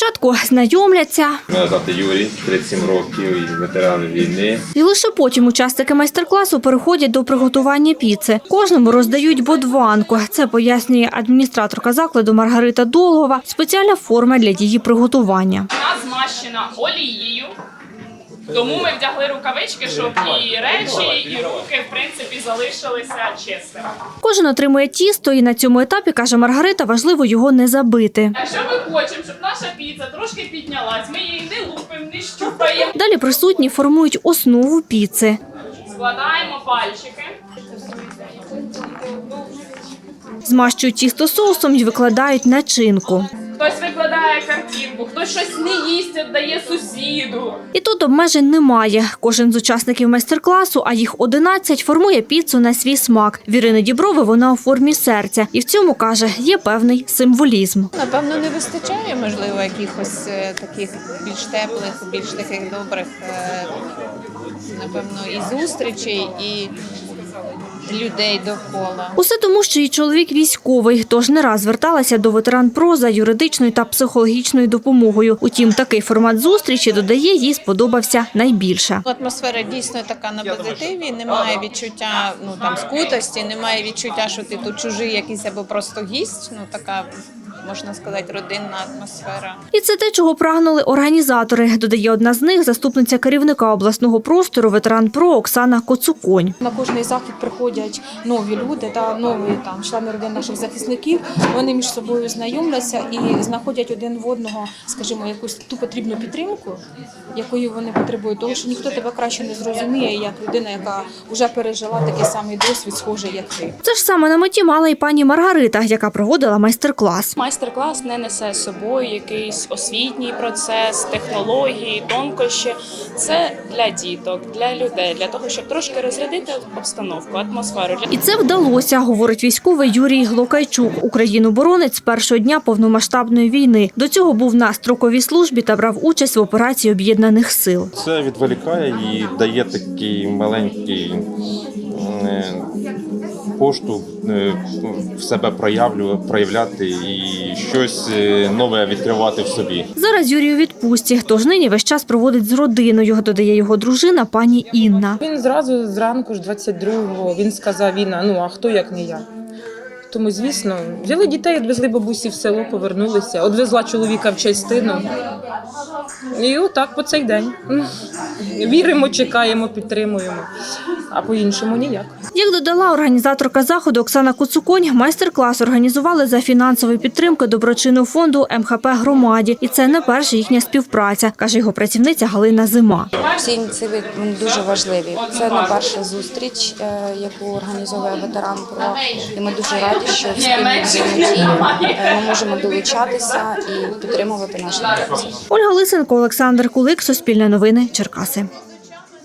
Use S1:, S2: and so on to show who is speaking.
S1: Спочатку знайомляться.
S2: Мене звати Юрій, 37 років, і ветеран війни.
S1: І лише потім учасники майстер-класу переходять до приготування піци. Кожному роздають бодванку. Це пояснює адміністраторка закладу Маргарита Долгова. Спеціальна форма для її приготування.
S3: Вона змащена олією, тому ми вдягли рукавички, щоб і речі, і руки, в принципі, залишилися чистими.
S1: Кожен отримує тісто і на цьому етапі, каже Маргарита, важливо його не забити.
S3: Якщо ми хочемо, щоб наша піца трошки піднялась, ми її не лупимо, не щупаємо.
S1: Далі присутні формують основу піци.
S3: Складаємо пальчики.
S1: Змащують тісто соусом і викладають начинку.
S3: Хтось викладає картинку, хтось щось не їсть, віддає сусіду.
S1: І тут обмежень немає. Кожен з учасників майстер-класу, а їх 11, формує піцу на свій смак. В Ірини Діброви вона у формі серця. І в цьому, каже, є певний символізм.
S4: Напевно, не вистачає, можливо, якихось таких більш теплих, більш таких добрих, напевно, і зустрічей, і людей довкола.
S1: Усе тому, що її чоловік військовий, тож не раз зверталася до ветеран-ПРО за юридичною та психологічною допомогою. Утім, такий формат зустрічі, додає, їй сподобався найбільше.
S4: Атмосфера дійсно така на позитиві, немає відчуття скутості, немає відчуття, що ти тут чужий якийсь або просто гість, така, можна сказати, родинна атмосфера.
S1: І це те, чого прагнули організатори, додає одна з них, заступниця керівника обласного простору ветеран-ПРО Оксана Коцуконь.
S5: На кожний захід приходять нові люди та нові члени родин наших захисників. Вони між собою знайомляться і знаходять один в одного, скажімо, якусь ту потрібну підтримку, якої вони потребують. Тому що ніхто тебе краще не зрозуміє, як людина, яка вже пережила такий самий досвід, схожий, як ти.
S1: Це ж саме на меті мала і пані Маргарита, яка проводила майстер-клас.
S6: Майстер-клас не несе з собою якийсь освітній процес, технології, тонкощі. Це для діток, для людей, для того, щоб трошки розрядити обстановку, атмосферу.
S1: І це вдалося, говорить військовий Юрій Глокайчук. Україну боронить з першого дня повномасштабної війни. До цього був на строковій службі та брав участь в операції Об'єднаних сил.
S2: Це відволікає і дає такий маленький поштовх в себе проявляти і щось нове відкривати в собі.
S1: Зараз Юрій у відпустці, тож нині весь час проводить з родиною, додає його дружина пані Інна.
S7: Він зразу зранку ж 22-го, він сказав, а хто як не я. Тому, звісно, взяли дітей, відвезли бабусі в село, повернулися, відвезла чоловіка в частину. І отак по цей день. Віримо, чекаємо, підтримуємо, а по-іншому ніяк.
S1: Як додала організаторка заходу Оксана Коцуконь, майстер-клас організували за фінансової підтримки доброчинного фонду МХП «Громаді». І це не перша їхня співпраця, каже його працівниця Галина Зима.
S8: Всі ініціативи дуже важливі. Це не перша зустріч, яку організовує ветеран-ПРО. І ми дуже раді, що в спільній взаємодії ми можемо долучатися і підтримувати наші хлопців.
S1: Ольга Лисенко, Олександр Кулик, Суспільне новини, Черкаси.